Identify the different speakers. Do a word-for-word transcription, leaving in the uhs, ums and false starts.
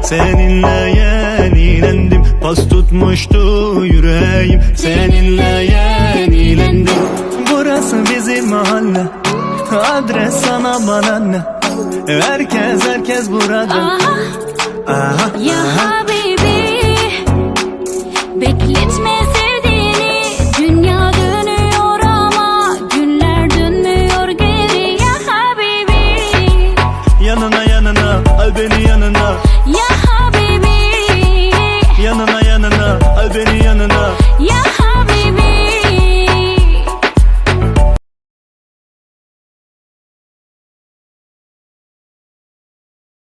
Speaker 1: Seninle yenilendim, pas tutmuştu yüreğim. Seninle yenilendim. Burası bizim mahalle, adres sana bana ne? Herkes herkes burada.
Speaker 2: Aha,
Speaker 1: aha,
Speaker 2: ya
Speaker 1: aha.
Speaker 2: habibi, bekletme